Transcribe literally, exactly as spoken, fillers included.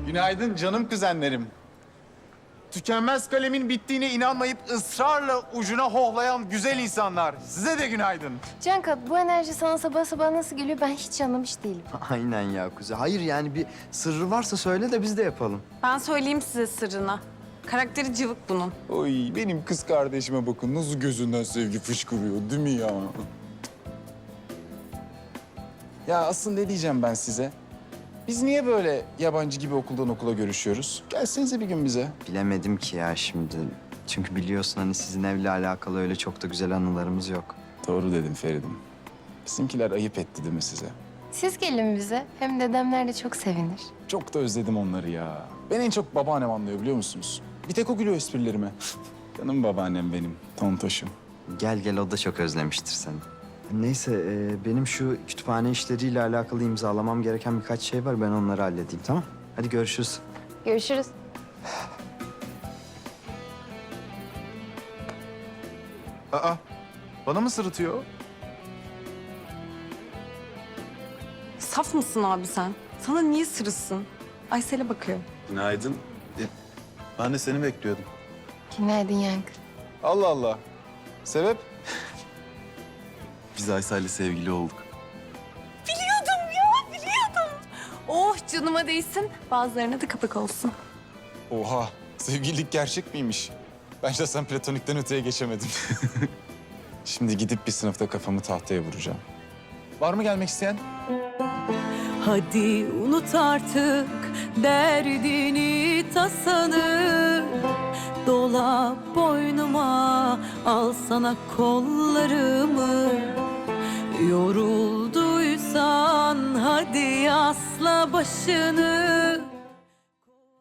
Günaydın canım kuzenlerim. Tükenmez kalemin bittiğine inanmayıp ısrarla ucuna hohlayan güzel insanlar. Size de günaydın. Canka, bu enerji sana sabah sabah nasıl geliyor ben hiç anlamış değilim. Aynen ya Kuzey. Hayır yani bir sırrı varsa söyle de biz de yapalım. Ben söyleyeyim size sırrını. Karakteri cıvık bunun. Oy benim kız kardeşime bakın nasıl gözünden sevgi fışkırıyor değil mi ya? Ya aslında ne diyeceğim ben size? Biz niye böyle yabancı gibi okuldan okula görüşüyoruz? Gelsenize bir gün bize. Bilemedim ki ya şimdi. Çünkü biliyorsun hani sizin evle alakalı öyle çok da güzel anılarımız yok. Doğru dedin Feridim. Bizimkiler ayıp etti değil mi size? Siz gelin bize. Hem dedemler de çok sevinir. Çok da özledim onları ya. Ben en çok babaannem anlıyor biliyor musunuz? Bir tek o gülüyor esprilerime. Canım babaannem benim, tontoşum. Gel gel o da çok özlemiştir seni. Neyse e, benim şu kütüphane işleriyle alakalı imzalamam gereken birkaç şey var. Ben onları halledeyim tamam. Hadi görüşürüz. Görüşürüz. Aa, bana mı sırıtıyor? Saf mısın abi sen? Sana niye sırıtsın? Aysel'e bakıyor. Günaydın. E, Ben de seni bekliyordum. Günaydın Yankı. Allah Allah. Sebep? Biz Aysel'le sevgili olduk. Biliyordum ya, biliyordum. Oh canıma değsin. Bazılarına da kapak olsun. Oha, sevgililik gerçek miymiş? Ben şahsen platonikten öteye geçemedim. Şimdi gidip bir sınıfta kafamı tahtaya vuracağım. Var mı gelmek isteyen? Hadi unut artık derdini tasanı. Dola boynuma, al sana kollarımı. Yorulduysan hadi asla başını.